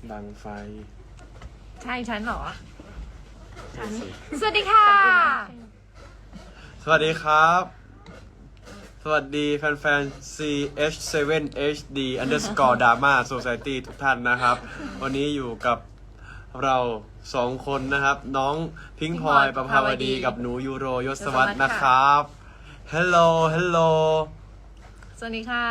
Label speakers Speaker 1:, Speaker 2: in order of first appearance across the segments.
Speaker 1: ดังไฟ
Speaker 2: ใช่ฉันเหรอฉันสวัสดีค่ะ
Speaker 1: สวัสดีครับสวัสดีแฟนๆ CH7HD underscore drama society ทุกท่านนะครับวันนี้อยู่กับเรา2คนนะครับน้องพิงค์พลอยประภาวดีกับหนูยูโรยศวัฒน์นะครับ Hello Hello
Speaker 2: สวัสดีค่ะ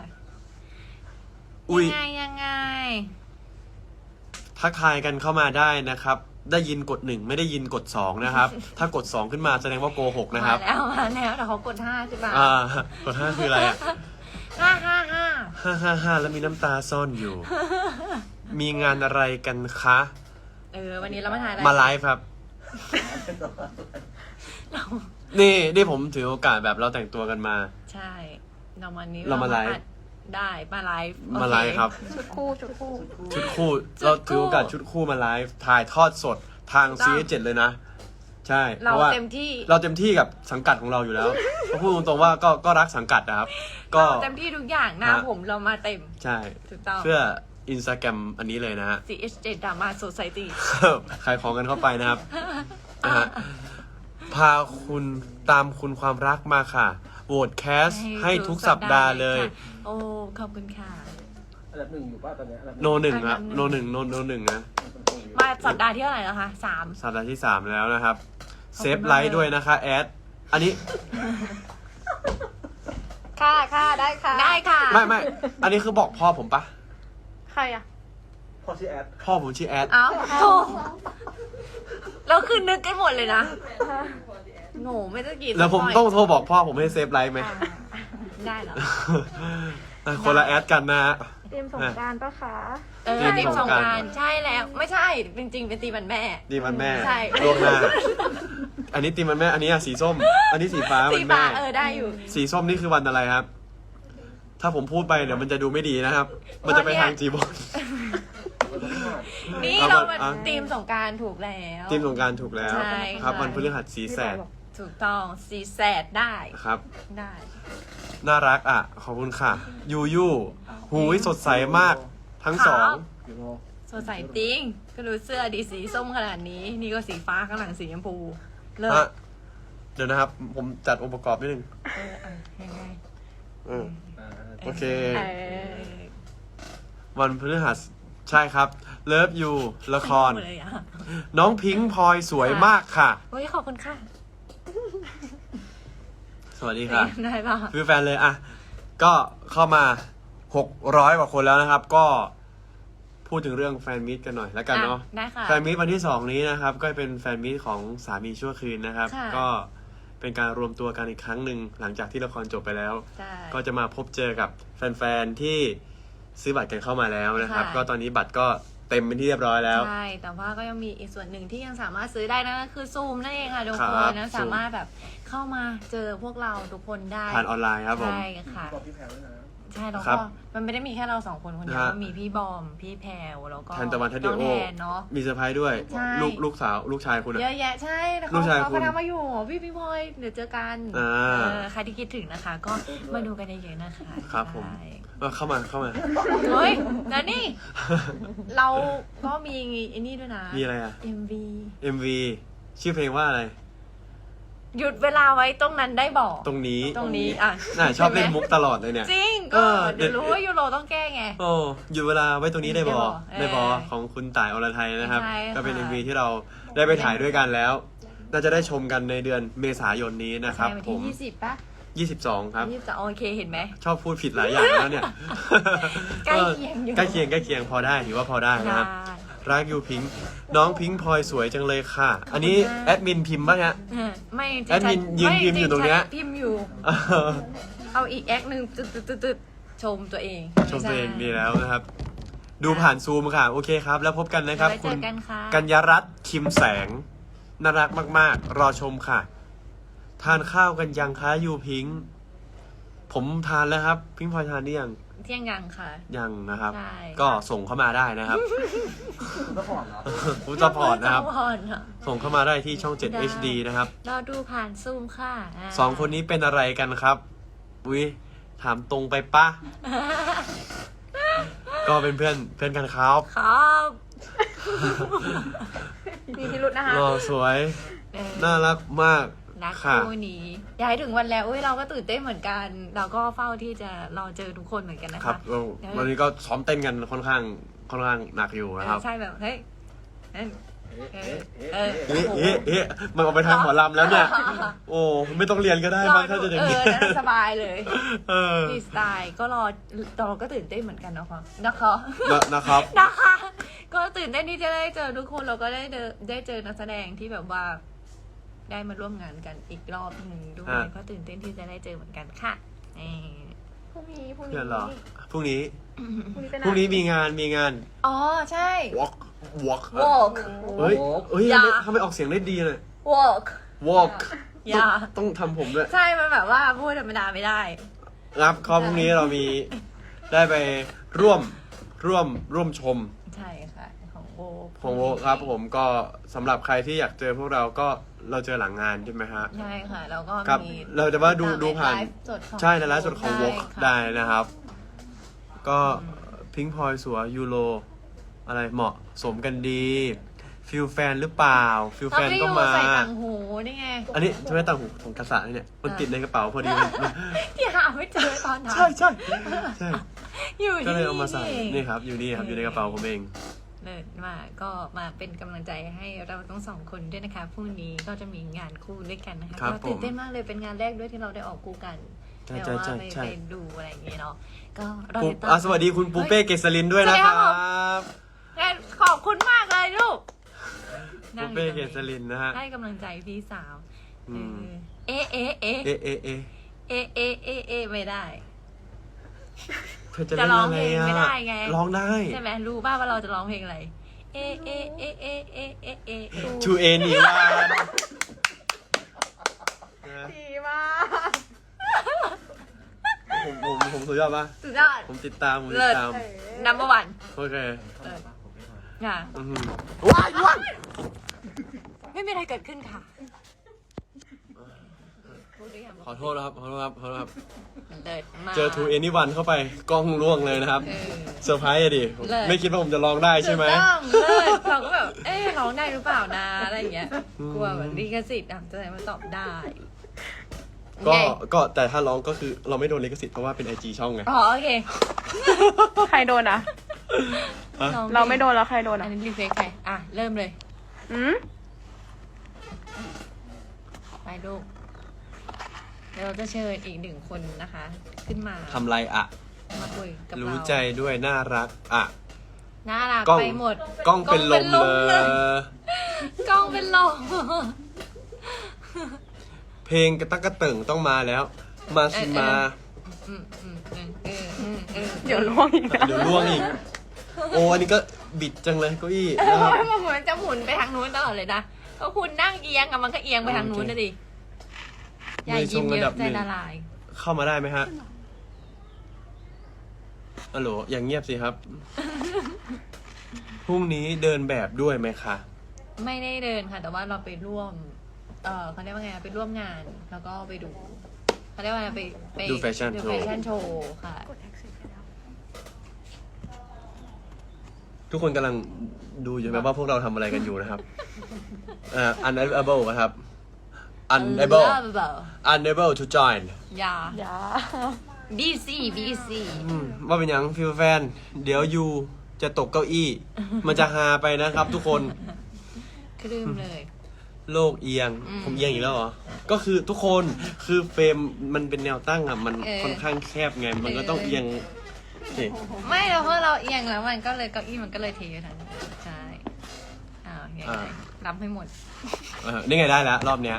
Speaker 2: ยังไง
Speaker 1: ทักทายกันเข้ามาได้นะครับได้ยินกด1ไม่ได้ยินกด2นะครับถ้ากด2ขึ้นมาแสดงว่าโกหกนะครับ
Speaker 2: มาแล้วแต่เขากด5ใช่ปะ
Speaker 1: กด5คืออะไรอ่ะ555แล้วมีน้ำตาซ่อนอยู่มีงานอะไรกันคะ
Speaker 2: วันนี้เรามาถ่ายอะไร
Speaker 1: มาไลฟ์ครับนี่ผมถือโอกาสแบบเราแต่งตัวกันมา
Speaker 2: ใช่เรา
Speaker 1: มาไลฟ์
Speaker 2: ได้มาไลฟ์
Speaker 1: ครับ
Speaker 2: ชุดคู่
Speaker 1: เราถือโอกาสชุดคู่มาไลฟ์ถ่ายทอดสดทาง CS7 เลยนะใช่
Speaker 2: เราเต็ม
Speaker 1: ที่กับสังกัดของเราอยู่แล้วก็พูดตรงๆว่าก็รักสังกัดนะครับ
Speaker 2: ก็เต็มที่ทุกอย่างหน้าผมเรามาเต็ม
Speaker 1: ใช่
Speaker 2: ถูกต้อง
Speaker 1: เพื่อInstagram อันนี้เลยนะฮะ
Speaker 2: CH7 Drama Society
Speaker 1: ขายของกันเข้าไปนะครับนะฮะพาคุณตามคุณความรักมาค่ะโหวตแคสให้ทุกสัปดาห์เลย
Speaker 2: โอ้ขอบคุณค่ะ
Speaker 3: อันดับ1อยู่ป่ะตอนนี้
Speaker 1: โน1ครับโน1นะ
Speaker 2: มาสัปดาห์ที่เท่าไหร่แล้วคะ3
Speaker 1: สัปดาห์ที่3แล้วนะครับเซฟไลค์ด้วยนะคะแอดอันนี้
Speaker 2: ค่ะได้ค่ะ
Speaker 1: ไม่อันนี้คือบอกพ่อผมปะ
Speaker 2: ใครอะ
Speaker 3: พ่อชื่อแอด
Speaker 1: พ่อผมชื่อแอด
Speaker 2: อ้าวโธ่เราคือนึกกันหมดเลยนะหนูไม่ต้องกี่
Speaker 1: แล้วผมต้องโทรบอกพ่อผมให้เซฟไลค์ไหม
Speaker 2: ได้เหรอ
Speaker 1: คนละแอดกันนะฮะ
Speaker 4: เตรียมสงกรานต์ปะคะ
Speaker 2: ทีมสงกรานต์ใช่แล้วไม่ใช่จริงๆเป็นตีมันแม่
Speaker 1: ตีมันแม่
Speaker 2: ใช่
Speaker 1: ล่วงหน้าอันนี้ตีมันแม่อันนี้สีส้มอันนี้สีฟ้ามันแม่
Speaker 2: ได้อยู่
Speaker 1: สีส้มนี่คือวันอะไรครับถ้าผมพูดไปเดี๋ยวมันจะดูไม่ดีนะครับมันจะไปทางจีบอล
Speaker 2: นี่เราทีมสงกรานต์ถูกแล้ว
Speaker 1: ทีมสงกรานต์ถูกแล้วครับวันพฤหัสสีแสด
Speaker 2: ถูกต้องสีแสดได้
Speaker 1: ครับ
Speaker 2: ได้
Speaker 1: น่ารักอ่ะขอบคุณค่ะยูหูยสดใสมากทั้งสอง
Speaker 2: สดใสจริงก็ดูเสื้อดีสีส้มขนาดนี้นี่ก็สีฟ้าข้างหลังสีชมพูเลิศ
Speaker 1: เดี๋ยวนะครับผมจัดองค์ประกอบนิดนึง
Speaker 2: ยังไง
Speaker 1: โอเควันพฤหัสใช่ครับเลิฟยูละครน้องพิงค์พลอยสวยมากค่ะ
Speaker 2: โอ้ยขอบคุณค่ะ
Speaker 1: สวัสดีค่ะ
Speaker 2: ได้ป่ะ
Speaker 1: คือแฟนเลยอ่ะก็เข้ามา600กว่าคนแล้วนะครับก็พูดถึงเรื่องแฟนมิตกันหน่อยแล้วกันเนาะแฟนมิตวันที่2นี้นะครับก็เป็นแฟนมิตของสามีชั่วคืนนะครับก็เป็นการรวมตัวกันอีกครั้งหนึ่งหลังจากที่ละครจบไปแล้วก็จะมาพบเจอกับแฟนๆที่ซื้อบัตรกันเข้ามาแล้วนะครับก็ตอนนี้บัตรก็เต็มเป็นที่เรียบร้อยแล้ว
Speaker 2: ใช่แต่ว่าก็ยังมีอีกส่วนหนึ่งที่ยังสามารถซื้อได้นั่นก็คือซูมนั่นเองค่ะทุกคนนะสามารถแบบเข้ามาเจอพวกเราทุกคนได้
Speaker 1: ผ่านออนไลน์ครับผม
Speaker 2: ใช่ค่ะใช่แล้วก็มันไม่ได้มีแค่เรา2คนคนเดียวมีพี่บอมพี่แพรวแล้วก็
Speaker 1: แทนตะวันทัดเดียว
Speaker 2: เนาะ
Speaker 1: มีเซอร์ไพรส์ด้วยลูกสาวลูกชายคุณ
Speaker 2: เยอะแยะใช่
Speaker 1: ลูกชาย
Speaker 2: คุณเขามาอยู่พี่พลอยเดี๋ยวเจอกันใครที่คิดถึงนะคะก็มาดูกันเยอะๆนะคะ
Speaker 1: ครับผมเข้ามา
Speaker 2: เฮ้ยแล้วนี่เราก็มีไอ้นี่ด้วยนะ
Speaker 1: มีอะไรอ่ะ MV ชื่อเพลงว่าอะไร
Speaker 2: หยุดเวลาไว้ตรงนั้นได้บอก
Speaker 1: ตรงนี้
Speaker 2: อ่ะ
Speaker 1: ชอบเล่นมุกตลอดเลยเนี่ย
Speaker 2: จริงก็เดี๋ยวรู้ว่ายูโรต้องแก้ไง
Speaker 1: หยุดเวลาไว้ตรงนี้ได้บอกของคุณต่ายอรไทยนะครับก็เป็น MV ที่เราได้ไปถ่ายด้วยกันแล้วน่าจะได้ชมกันในเดือนเมษายนนี้นะครับ
Speaker 2: ผม20ป่ะ
Speaker 1: 22ครับ
Speaker 2: 22โอเคเห็นไหม
Speaker 1: ชอบพูดผิดหลายอย่างแล้วเนี่ย
Speaker 2: ใกล้เคียงอยู่
Speaker 1: ใกล้เคียงพอได้ถือว่าพอได้นะครับรักยูพิงค์น้องพิงค์พลอยสวยจังเลยค่ะอันนี้แอดมินพิมพ์ป่ะฮะ
Speaker 2: ไม่
Speaker 1: แอดมินยืนพิมพ์อยู่ตรงเนี้ย
Speaker 2: พิมพ์อยู่เอาอีกแอคนึงตึ๊ดชมตัวเอง
Speaker 1: ดีแล้วนะครับดูผ่านซูมค่ะโอเคครับแล้วพบกันนะครับ
Speaker 2: คุณ
Speaker 1: กัญญรัตน์คิมแสงน่ารักมากๆรอชมค่ะทานข้าวกันยังคะยูพิงค์ผมทานแล้วครับพิงค์พลอยทานนี่ยัง
Speaker 2: เที่ยงยังค่ะ
Speaker 1: ยังนะครับก็ส่งเข้ามาได้นะครับคุณจะพอร์ตนะครับส่งเข้ามาได้ที่ช่อง7 HD นะครับ
Speaker 2: เราดูผ่านซูมค่ะ
Speaker 1: 2คนนี้เป็นอะไรกันครับอุ้ยถามตรงไปปะก็เป็นเพื่อนกันครับ
Speaker 2: มีพิรุธนะคะ
Speaker 1: หล่อสวย น่ารักมาก
Speaker 2: รัก
Speaker 1: ค่ะ
Speaker 2: คู่นี้ย้ายถึงวันแล้วเราก็ตื่นเต้นเหมือนกัน เราก็เฝ้าที่จะรอเจอทุกคนเหมือนกันนะ
Speaker 1: ครั
Speaker 2: คะ
Speaker 1: บวันนี้ก็ซ้อมเต้นกันค่อนข้างหนักอยู่นะครับ
Speaker 2: ใช่แบบเฮ้ย
Speaker 1: มันออกไปทางหมอลำแล้วเนี่ย โอ้ไม่ต้องเรียนก็ได้บ้างถ้าจะอย่างนี้
Speaker 2: น่าสบายเลย
Speaker 1: ดี
Speaker 2: สไตล์ก็เราก็ตื่นเต้นเหมือนกันนะคะ
Speaker 1: นะครับ
Speaker 2: ก็ตื่นเต้นที่จะได้เจอทุกคนเราก็ได้เจอนักแสดงที่แบบว่า ได้มาร่วมงานกันอีกรอบหนึ่งด้วยก็ตื่นเต้นที่จะได้เจอเหมือนกันค่ะพรุ่งนี้
Speaker 1: เพื่อนเหรอพรุ่งนี้
Speaker 2: เป็น
Speaker 1: พรุ่งนี้มีงาน
Speaker 2: อ๋อใช่
Speaker 1: walk
Speaker 2: walk
Speaker 1: เฮ้ยทำไมออกเสียงได้ดีเลย
Speaker 2: walk อย่า
Speaker 1: ต้องทำผมด้วย
Speaker 2: ใช่มันแบบว่าพูดธรรมดาไม่ได้
Speaker 1: ครับข้อพรุ่งนี้เรามีได้ไปร่วมชม
Speaker 2: ใช่ค่ะ
Speaker 1: ของโวครับผมก็สำหรับใครที่อยากเจอพวกเราก็เราเจอหลังงานใช่ไหมฮะ
Speaker 2: ใช่ค่ะแล้วก็
Speaker 1: ครับ
Speaker 2: มี
Speaker 1: เราจะว่าดูผ่าน
Speaker 2: ไลฟ์สดของ
Speaker 1: ใช่ในไลฟ์สดของโว
Speaker 2: ใช่ค่ะ
Speaker 1: ได้นะครับ ก็พิงพลอยสัวยูโรอะไรเหมาะสมกันดีฟิลแฟนหรือเปล่าฟิลแฟนก็มา
Speaker 2: ใส่ต่างหูนี่ไง
Speaker 1: อันนี้ใช่ไหมต่างหูของกษัตริย์เนี่ยมันติดในกระเป๋าพอดี
Speaker 2: ที่หาไม่เจอตอนนั้น
Speaker 1: ใช่
Speaker 2: อยู่
Speaker 1: ก็
Speaker 2: นี่
Speaker 1: เลยเอามาใส่นี่ครับอยู่นี่ครับอยู่ในกระเป๋าผมเอง
Speaker 2: เลยก็มาเป็นกำลังใจให้เราทั้งสองคนด้วยนะคะพรุ่งนี้ก็จะมีงานคู่ด้วยกันนะคะก็ตื่นเต้นมากเลยเป็นงานแรกด้วยที่เราได้ออกคู่กันเดี๋ยวว่าไปดูอะไรอย่างเงี้ยเนาะก็รอติดตาม
Speaker 1: สวัสดีคุณปูเป้เกษรินด้วยนะครับ
Speaker 2: ขอบคุณมากเลยลูก
Speaker 1: ปูเป้เกษรินนะฮะ
Speaker 2: ให้กำลังใจพี่สาวเอไม่ได้
Speaker 1: เธอจะร้องเพลงไม่ได้ไงร้องได้
Speaker 2: ใช่ไหมรู้ป่าวว่าเราจะร้องเพลงอะไร
Speaker 1: To anyone
Speaker 2: ดีมาก
Speaker 1: ผมสุดยอดปะ
Speaker 2: สุดยอด
Speaker 1: ผมติดตาม
Speaker 2: number one
Speaker 1: โอเค
Speaker 2: ค่ะ
Speaker 1: ว้าย
Speaker 2: ไม่มีอะไรเกิดขึ้นค่ะ
Speaker 1: ขอโทษครับ
Speaker 2: เจอ
Speaker 1: To anyone เข้าไปกล้องร่วงเลยนะครับเซอร์ไพรส์อะดิไม่คิดว่าผมจะร้องได้ใช่ไหม
Speaker 2: เราก็แบบร้องได้หรือเปล่านะอะไรอย่างเงี้ยกลัวแบบลิขสิทธิ์จะได้มาตอบได้
Speaker 1: ก็แต่ถ้าร้องก็คือเราไม่โดนลิขสิทธิ์เพราะว่าเป็น IG ช่องไง
Speaker 2: อ๋อโอเค
Speaker 4: ใครโดนอ่ะเราไม่โดนแล้วใครโดนอ่ะ
Speaker 2: อันนี้รีเฟซใครเริ่มเลยไปลูกเดี๋ยวเราจะเชิญอีกหนึ่งคนนะคะ ขึ้นมา
Speaker 1: ทำไรอะ
Speaker 2: มาคุยกับเรา
Speaker 1: รู้ใจด้วยน่ารักอะ
Speaker 2: น่ารักไปหมด
Speaker 1: กล้องเป็นลมเลย
Speaker 2: กล้องเป็นลม
Speaker 1: เพลงกระตักกระเติ่งต้องมาแล้วมาสิมา
Speaker 4: เดี๋ยวล่วงอีก
Speaker 1: โอ้อันนี้ก็บิดจังเลยเก้าอี้
Speaker 2: มันเหมือนจะหมุนไปทางนู้นตลอดเลยนะก็คุณนั่งเอียงมันก็เอียงไปทางนู้นนะดิใหญ่ยิ้มเยอะใจละลาย
Speaker 1: เข้ามาได้ไหมฮะฮัลโหลอย่างเงียบสิครับพรุ่งนี้เดินแบบด้วยไหมคะ
Speaker 2: ไม่ได้เดินค่ะแต่ว่าเราไปร่วมเขาเรียกว่าไงไปร่วมงานแล้วก็ไปดูเขาเรียกว่าไป
Speaker 1: ดูแฟชั่น
Speaker 2: โชว์ค่ะ
Speaker 1: ทุกคนกำลังดูอยู่ไหมว่าพวกเราทำอะไรกันอยู่นะครับunable ครับ unable to join
Speaker 2: อย่า BC
Speaker 1: ว่าเป็นยังฟิลแฟนเดี๋ยวยูจะตกเก้าอี้มันจะฮาไปนะครับทุกคน
Speaker 2: คลืมเลย
Speaker 1: โลกเอียงผมเอียงอีกแล้วเหรอก็คือทุกคนคือเฟรมมันเป็นแนวตั้งอ่ะมันค่อนข้างแคบไงมันก็ต้องเอียง
Speaker 2: ไม่เราเพราะเราเอียงแล้วมันก็เลยเก้าอี้มันก็เลยเทอยู่ทางนี้ใช่ไงรับให้หมด
Speaker 1: นี่ไงได้แล้วรอบเนี้ย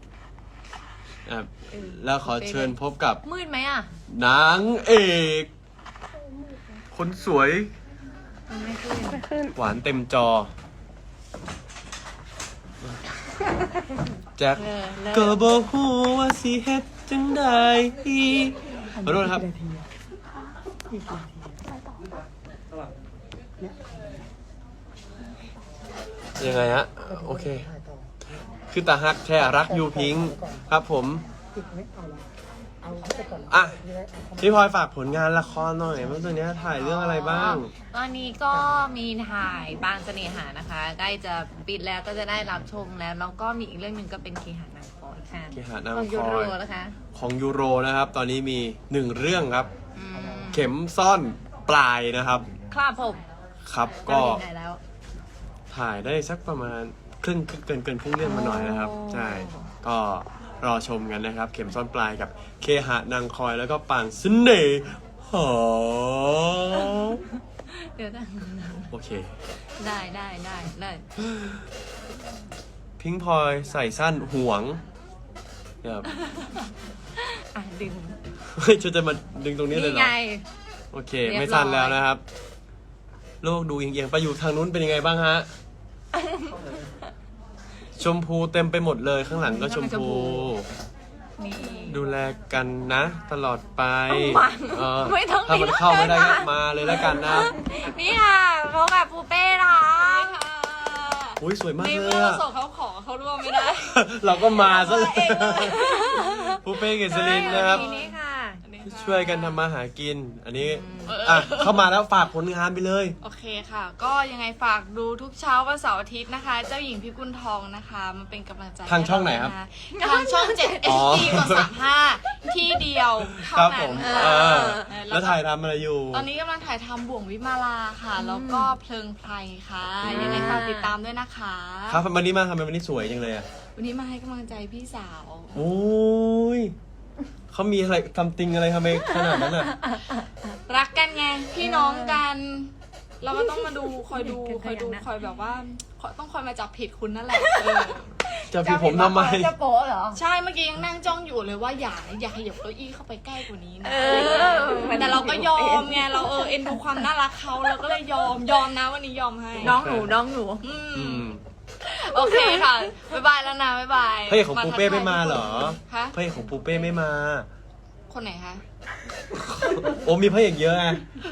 Speaker 1: แล้วขอเชิญพบกับ
Speaker 2: มืดไหม
Speaker 1: นางเอกคนสวย
Speaker 2: ไม่ขึ้น
Speaker 1: หวานเต็มจอแจ็คก็บอกฮู้ว่าสิเฮ็ดจังได้ขอโทษครับยังไงฮะโอเคคือตาฮักแท้รักยูพิงครับผมอ่ะพี่พลอยฝากผลงานละครหน่อยว่าตัวเนี้ยถ่ายเรื่องอะไรบ้าง
Speaker 2: ตอนนี้ก็มีถ่ายบางเสน่หานะคะใกล้จะปิดแล้วก็จะได้รับชมแล้วก็มีอีกเรื่องหนึ่งก็เป็นเคหะนางคอยค่ะ
Speaker 1: เคหะนางคอย
Speaker 2: ของยูโรนะคะ
Speaker 1: ของยูโรนะครับ ตอนนี้มี1เรื่องครับ
Speaker 2: อืม
Speaker 1: เข็มซ่อนปลายนะครับ
Speaker 2: ครับผม
Speaker 1: ครับก็
Speaker 2: เราถึงไหนแล้ว
Speaker 1: ถ่ายได้สักประมาณเกินครึ่งเรื่องมาหน่อยนะครับ
Speaker 2: โอ้
Speaker 1: ใช่ก็รอชมกันนะครับ เข็มซ่อนปลายกับเคหะนางคอยแล้วก็ปางเสน่หา
Speaker 2: เดี๋ยวนะ
Speaker 1: โอเค
Speaker 2: ได้
Speaker 1: พิงพลอยใส่สั้นห่วงครับ
Speaker 2: อ่ะดึง
Speaker 1: เฮ้ยจะมาดึงตรงนี้เลยเหร
Speaker 2: นี่
Speaker 1: อ
Speaker 2: ไง
Speaker 1: โอเค
Speaker 2: เรียบร้อย
Speaker 1: ไม่สั้นแล้วนะครับ โลกดูเอียงๆไปอยู่ทางนู้นเป็นยังไงบ้างฮะ ชมพูเต็มไปหมดเลยข้างหลังก็ชมพู
Speaker 2: นี่
Speaker 1: ดูแลกันนะ ตลอดไป
Speaker 2: ไม่ต้อง
Speaker 1: ถ้ามันเข้าไม่ได้
Speaker 2: เลย
Speaker 1: ก็
Speaker 2: นะ
Speaker 1: มาเลยแล้วกันนะ
Speaker 2: นี่ค่ะพบกับปูเป้นะคะ
Speaker 1: อุ้ยสวยมาก
Speaker 2: ใน
Speaker 1: เล
Speaker 2: เมื่
Speaker 1: ย
Speaker 2: อเรา
Speaker 1: อะ
Speaker 2: ส่งเขาขอเขาร่วมไม่ได้
Speaker 1: เราก็มาซะเลย
Speaker 2: มาเองเลย
Speaker 1: ปูเป้เกษรินนะครับ
Speaker 2: ทีนี้ค่ะ
Speaker 1: ช่วยกันทำมาหากิน อันนี้อ่ะเข้ามาแล้วฝากผลงานไปเลย
Speaker 5: โอเคค่ะ ก็ยังไงฝากดูทุกเช้าวันเสาร์อาทิตย์นะคะ เจ้าหญิงพิกุลทองนะคะมาเป็นกำลังใจ
Speaker 1: ทางช่องไหนครับ
Speaker 5: ให้เานะคะทางช่อง 7
Speaker 1: อ๋อ
Speaker 5: HD กด35 ที่เดียวเท่า
Speaker 1: ครับ
Speaker 5: นั้
Speaker 1: ผ
Speaker 5: น
Speaker 1: ม
Speaker 5: แล้
Speaker 1: แล้ว วถ่ายทำอะไรอยู่
Speaker 5: ตอนนี้กำลังถ่ายทำบ่วงวิมาลาค่ะ แล้วก็เพลิงไพรค่ะ ยังไงฝากติดตามด้วยนะคะ
Speaker 1: ครับวันนี้มาทำไมวันนี้สวยจังเลยอ่ะ
Speaker 5: วันนี้มาให้กำลังใจพี่สาว
Speaker 1: โอ้ยเขามีอะไรทำติงอะไรทำไมขนาดนั้นอ่ะ
Speaker 5: รักกันไงพี่น้องกัน เราก็ต้องมาดูคอยดู
Speaker 2: ขยันนะ
Speaker 5: คอยแบบว่าต้องคอยมาจับผิดคุณนั่นแหละเออ
Speaker 1: จะพี่ผมทำไม
Speaker 2: จะโป๊ะเหรอ
Speaker 5: ใช่เมื่อกี้ยังนั่งจ้องอยู่เลยว่าอย่าขยับเก้าอี้เข้าไปใกล้กว่านี้นะ
Speaker 2: เออ
Speaker 5: แต่เราก็ยอมไงเราเอ็นดูความน่ารักเขาเราก็เลยยอมนะวันนี้ยอมให้
Speaker 2: น้องหนู
Speaker 5: อื
Speaker 1: อื
Speaker 5: ม
Speaker 1: ม
Speaker 5: โอเคค่ะบ๊ายบายแล้วนะบ๊ายบาย
Speaker 1: พระเอกของปูเป้ไม่มาเหรอ
Speaker 5: ฮะ
Speaker 1: พระเอกของปูเป้ไม่มา
Speaker 5: คนไหนคะ
Speaker 1: โอ้มีพระเอกเยอะไง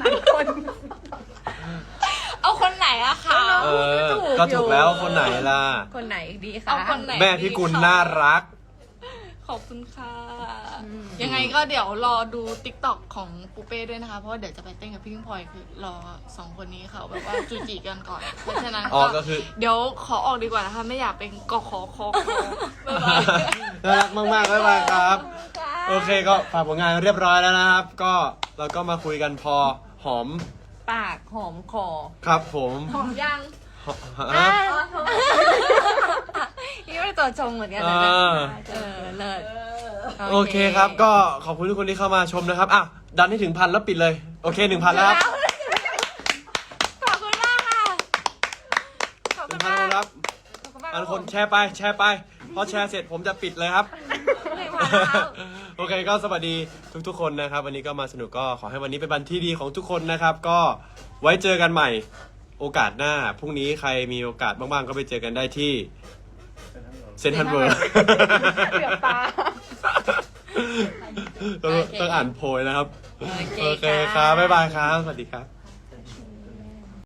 Speaker 5: เอาคนไหนอะคะ
Speaker 1: เออ ก็ถูกแล้วคนไหนล่ะ
Speaker 2: คนไหนดีคะ
Speaker 5: เอาคนไหน
Speaker 1: แม่พี่กุลน่ารัก
Speaker 5: ขอบคุณค่ะ
Speaker 2: อืม
Speaker 5: ยังไงก็เดี๋ยวรอดูติ๊กต็อกของปูเป้ด้วยนะคะ เพราะว่าเดี๋ยวจะไปเต้นกับพี่พิงพลอยคือรอสองคนนี้เขาแบบว่าจูจีกันก่อน เพราะฉะนั้น
Speaker 1: อ๋อก็คือ
Speaker 5: เดี๋ยวขอออกดีกว่านะคะ ไม่อยากเป็นกขอบ๊ายบาย
Speaker 1: น่ารักมากๆบ๊ายบายครับ โอเคก็ฝากผลงานเรียบร้อยแล้วนะครับ ก็เราก็มาคุยกันพอหอม
Speaker 2: ปากหอมคอ
Speaker 1: ครับผม
Speaker 5: หอมยัง
Speaker 1: ฮะ
Speaker 2: นี่เป็นตัวชงเหมือนกัน
Speaker 1: เอ
Speaker 2: นะ
Speaker 1: อ
Speaker 2: เลิศ
Speaker 1: โอเคครับ ก็ขอบคุณทุกคนที่เข้ามาชมนะครับอ่ะดันให้ถึง 1,000แล้วปิดเลย โอเค 1,000แล้วครับ
Speaker 2: ขอบคุณมากค่ะ ขอบคุณ
Speaker 1: 1,000
Speaker 2: มาก
Speaker 1: คนครับ
Speaker 2: ขอบคุณมาก
Speaker 1: อันคนแชร์ไปพอแชร์เสร็จผมจะปิดเลยครับ โอเคก็สวัสดีทุกๆคนนะครับ วันนี้ก็มาสนุกก็ขอให้วันนี้เป็นวันที่ดีของทุกคนนะครับ ก็ไว้เจอกันใหม่โอกาสหน้าพรุ่งนี้ใครมีโอกาสบ้างๆก็ไปเจอกันได้ที่เซนทรัลเวิร์
Speaker 2: เกือบตา
Speaker 1: ต้องอ่านโพยนะครับ
Speaker 2: โอเค
Speaker 1: โอเคครับบ๊ายบายครับ สวัสดีครับ